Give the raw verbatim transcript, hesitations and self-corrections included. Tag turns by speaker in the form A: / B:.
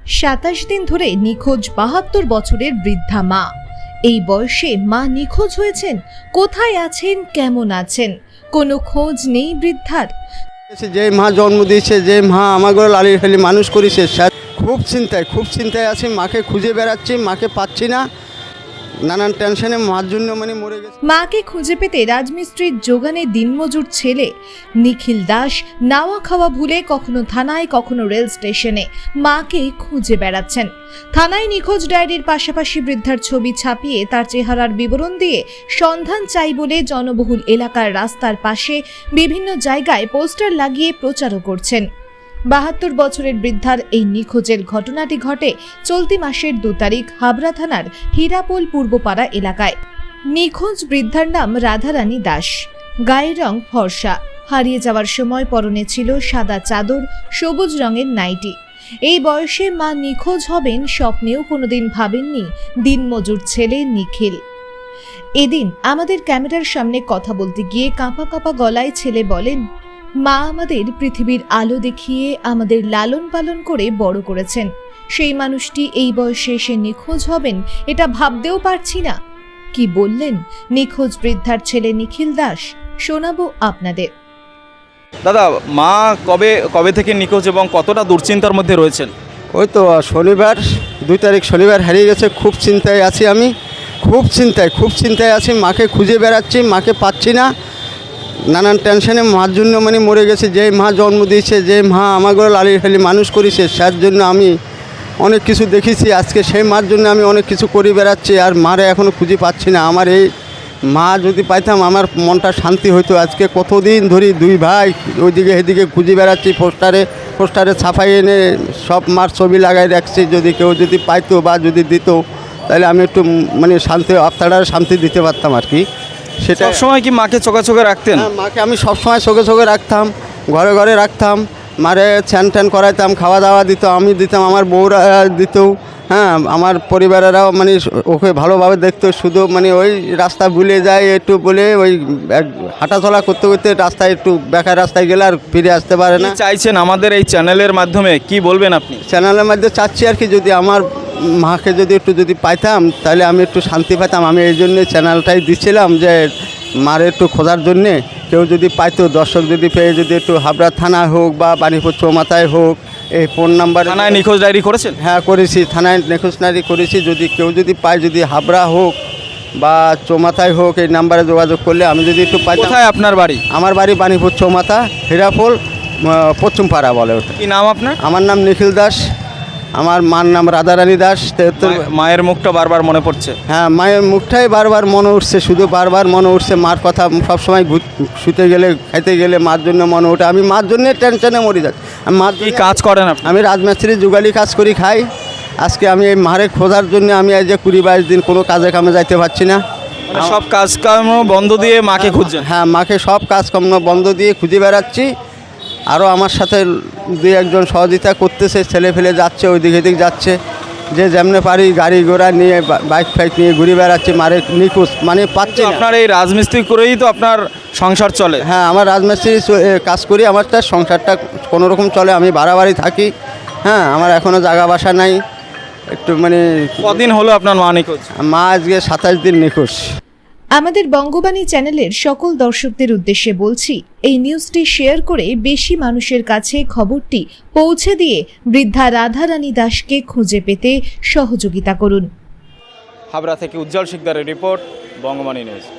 A: সাতাশ দিন ধরে নিখোঁজ বাহাত্তর বছরের বৃদ্ধা মা। এই বয়সে মা নিখোঁজ হয়েছেন। কোথায় আছেন, কেমন আছেন, কোনো খোঁজ নেই বৃদ্ধার।
B: যে মা জন্ম দিয়েছে, যে মা আমাকে লালিয়ে ফেলি মানুষ করেছে, খুব চিন্তায় খুব চিন্তায় আছি। মাকে খুঁজে বেড়াচ্ছি, মাকে পাচ্ছি না, নানান টেনশনে মার জন্য মানে মরে গেছে।
A: মাকে খুঁজে পেতে রাজমিস্ত্রির যোগানে দিনমজুর ছেলে নিখিল দাস নাওয়া খাওয়া ভুলে কখনো থানায় কখনো রেল স্টেশনে মাকে খুঁজে বেড়াচ্ছেন। থানায় নিখোঁজ ডায়েরির পাশাপাশি বৃদ্ধার ছবি ছাপিয়ে তার চেহারার বিবরণ দিয়ে সন্ধান চাই বলে জনবহুল এলাকার রাস্তার পাশে বিভিন্ন জায়গায় পোস্টার লাগিয়ে প্রচারও করছেন। বাহাত্তর বছরের বৃদ্ধার এই নিখোঁজের ঘটনাটি ঘটে চলতি মাসের দু তারিখ হাবড়া থানার হীরাপোল পূর্বপাড়া এলাকায়। নিখোঁজ বৃদ্ধার নাম রাধারানী দাস। গায়ের রং ফর্সা, হারিয়ে যাওয়ার সময় পরনে ছিল সাদা চাদর, সবুজ রঙের নাইটি। এই বয়সে মা নিখোঁজ হবেন স্বপ্নেও কোনোদিন ভাবেননি দিনমজুর ছেলে নিখিল। এদিন আমাদের ক্যামেরার সামনে কথা বলতে গিয়ে কাঁপা কাঁপা গলায় ছেলে বলেন, মা আমাদের পৃথিবীর আলো দেখিয়ে আমাদের লালন পালন করে বড় করেছেন। সেই মানুষটি এই বয়সে এসে নিখোঁজ হবেন এটা ভাবতেও পারছি না। কি বললেন নিখোঁজ বৃদ্ধার ছেলে নিখিল দাস, শোনাবো আপনাদের।
C: দাদা, মা কবে কবে থেকে নিখোঁজ এবং কতটা দুশ্চিন্তার মধ্যে রয়েছেন?
B: ওই তো শনিবার দুই তারিখ শনিবার হারিয়ে গেছে। খুব চিন্তায় আছি, আমি খুব চিন্তায় খুব চিন্তায় আছি। মাকে খুঁজে বেড়াচ্ছি, মাকে পাচ্ছি না, নানান টেনশনে মার জন্য মানে মরে গেছে। যে মা জন্ম দিয়েছে, যে মা আমাকে লালিয়ে ফেলি মানুষ করেছে, তার জন্য আমি অনেক কিছু দেখেছি। আজকে সেই মার জন্য আমি অনেক কিছু করে বেড়াচ্ছি, আর মারে এখনও খুঁজে পাচ্ছি না। আমার এই মা যদি পাইতাম আমার মনটা শান্তি হইতো। আজকে কতদিন ধরে দুই ভাই ওইদিকে এদিকে খুঁজে বেড়াচ্ছি, পোস্টারে পোস্টারে ছাপাই এনে সব মার ছবি লাগাই রাখছি। যদি কেউ যদি পাইতো বা যদি দিত, তাহলে আমি একটু মানে শান্তি আপনারা শান্তি দিতে পারতাম আর কি। সেটা
C: সময় কি মাকে চোখে চোখে রাখতেন?
B: হ্যাঁ, মাকে আমি সবসময় চোখে চোখে রাখতাম, ঘরে ঘরে রাখতাম। মারে স্যান ট্যান করাইতাম, খাওয়া দাওয়া দিত, আমি দিতাম, আমার বউরা দিত। হ্যাঁ, আমার পরিবারেরাও মানে ওকে ভালোভাবে দেখতো। শুধু মানে ওই রাস্তা ভুলে যায় একটু বলে ওই হাঁটাচলা করতে করতে রাস্তায় একটু বেকার রাস্তায় গেলে আর ফিরে আসতে পারে না।
C: চাইছেন আমাদের এই চ্যানেলের মাধ্যমে কি বলবেন আপনি?
B: চ্যানেলের মধ্যে চাচ্ছি আর কি, যদি আমার মাকে যদি একটু যদি পাইতাম তাহলে আমি একটু শান্তি পেতাম। আমি এই জন্যে চ্যানেলটাই দিচ্ছিলাম যে মার একটু খোঁজার জন্যে কেউ যদি পাইতো, দর্শক যদি পেয়ে যদি একটু হাবড়া থানা হোক বা বাণীপুর চৌমাথায় হোক, এই ফোন নাম্বার।
C: থানায় নিখোঁজ ডায়েরি করেছেন?
B: হ্যাঁ করেছি, থানায় নিখোঁজ ডায়েরি করেছি। যদি কেউ যদি পায়, যদি হাবড়া হোক বা চৌমাথায় হোক, এই নাম্বারে যোগাযোগ করলে আমি যদি একটু পাই।
C: কোথায় আপনার বাড়ি?
B: আমার বাড়ি বাণীপুর চৌমাথা, হীরাপোল পশ্চিমপাড়া বলে ওটা।
C: কি নাম আপনার?
B: আমার নাম নিখিল দাস, আমার মার নাম রাধারানী দাস।
C: মায়ের মুখটা বারবার মনে পড়ছে।
B: হ্যাঁ, মায়ের মুখটাই বারবার মনে উঠছে, শুধু বারবার মনে উঠছে মার কথা। সবসময় শুতে গেলে খাইতে গেলে মার জন্য মনে ওঠে। আমি মার জন্যে টেনশনে মরে যাচ্ছি। আমি মার
C: কি কাজ করেন আপনি?
B: আমি রাজমিস্ত্রি যুগালি কাজ করি, খাই। আজকে আমি এই মারে খোঁজার জন্য আমি আজ যে কুড়ি বাইশ দিন কোনো কাজে কামে যাইতে পারছি না।
C: মানে সব কাজকর্ম বন্ধ দিয়ে মাকে খুঁজছেন?
B: হ্যাঁ, মাকে সব কাজকর্ম বন্ধ দিয়ে খুঁজে বেড়াচ্ছি। আরও আমার সাথে দুই একজন সহযোগিতা করতেছে, ছেলে ফেলে যাচ্ছে, ওইদিকে এদিক যাচ্ছে। যে যেমনে পারি গাড়ি ঘোড়া নিয়ে বাইক ফাইক নিয়ে ঘুরে বেড়াচ্ছি, মারে নিখোঁজ মানে পাচ্ছি না।
C: আপনার এই রাজমিস্ত্রি করেই তো আপনার সংসার চলে?
B: হ্যাঁ, আমার রাজমিস্ত্রি কাজ করি, আমার তার সংসারটা কোনো রকম চলে। আমি ভাড়া বাড়ি থাকি। হ্যাঁ, আমার এখনও জায়গা বাসা নাই। একটু মানে
C: কদিন হলো আপনার মা নিখোঁজ?
B: মা আজকে সাতাশ দিন নিখোঁজ।
A: আমাদের বঙ্গবাণী চ্যানেলের সকল দর্শকদের উদ্দেশ্যে বলছি, এই নিউজটি শেয়ার করে বেশি মানুষের কাছে খবরটি পৌঁছে দিয়ে বৃদ্ধা রাধারানী দাসকে খুঁজে পেতে সহযোগিতা করুন।
C: হাবড়া থেকে উজ্জ্বল শিকদারের রিপোর্ট, বঙ্গবাণী নিউজ।